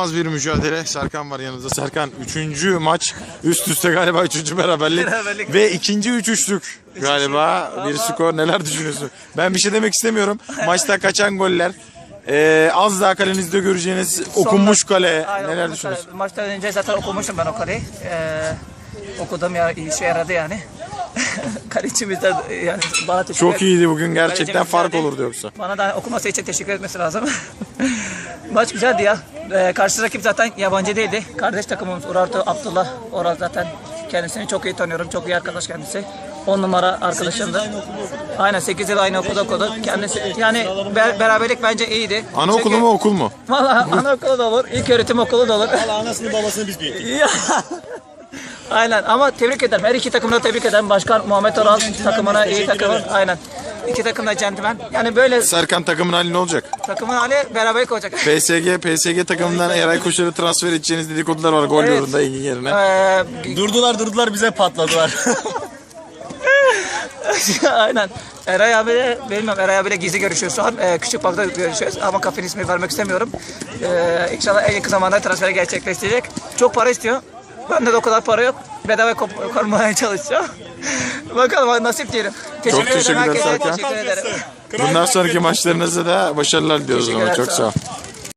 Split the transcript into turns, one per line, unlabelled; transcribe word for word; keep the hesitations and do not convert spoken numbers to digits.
İnanılmaz bir mücadele. Serkan var yanımızda. Serkan üçüncü maç üst üste galiba üçüncü beraberlik.
Beraberlik.
Ve ikinci üç üçlük galiba bir skor. Neler düşünüyorsun? Ben bir şey demek istemiyorum. Maçta kaçan goller. Ee, az daha kalenizde göreceğiniz okunmuş kale.
Aynen,
Neler
okunmuş
düşünüyorsun?
kale. Maçtan önce zaten okumuştum ben o kaleyi. Ee, okudum ya, işe yaradı yani. Kalecimiz de yani bana teşekkür
Çok iyiydi bugün. Gerçekten
Kalecimiz
fark
geldi.
olurdu yoksa.
Bana da okuması için teşekkür etmesi lazım. Maç güzeldi ya. Ee, karşı rakip zaten yabancı değildi. Kardeş takımımız Urartu Abdullah. Oral zaten kendisini çok iyi tanıyorum. Çok iyi arkadaş kendisi. on numara arkadaşımdı. Aynen sekiz yıl aynı okulda okudu. Kendisi yani be- beraberlik bence iyiydi.
Anaokulu
Çünkü-
mu okul mu?
Valla anaokulu da olur, ilk öğretim okulu da olur.
Valla anasını babasını biz büyüttük.
Ya. Aynen ama tebrik ederim. Her iki takımda tebrik ederim. Başkan Muhammed Oral takımına iyi takımı. Aynen. İki takım da centilmen. Yani böyle
Serkan takımın hali ne olacak?
takımın hali beraberlik olacak.
P S G, P S G takımından Eray Koçer'i transfer edeceğiniz dedikodular var gol
Evet.
yolunda Engin yerine.
Ee,
Durdular durdular bize patladılar.
Aynen. Eray abiyle, bilmiyorum Eray abiyle gizli görüşüyoruz şu an. Ee, küçük bankta görüşüyoruz ama kafenin ismini vermek istemiyorum. Ee, inşallah en yakın zamanda transferi gerçekleştirecek. Çok para istiyor. Bende de o kadar para yok. Bedava koparmaya çalışacağım. Bakalım nasip diyelim.
Çok teşekkürler
herkese
Serkan.
teşekkür ederim.
Bundan sonraki maçlarınızda da başarılar diliyoruz.
Teşekkürler,
Çok
sağ
sağ
ol.
ol.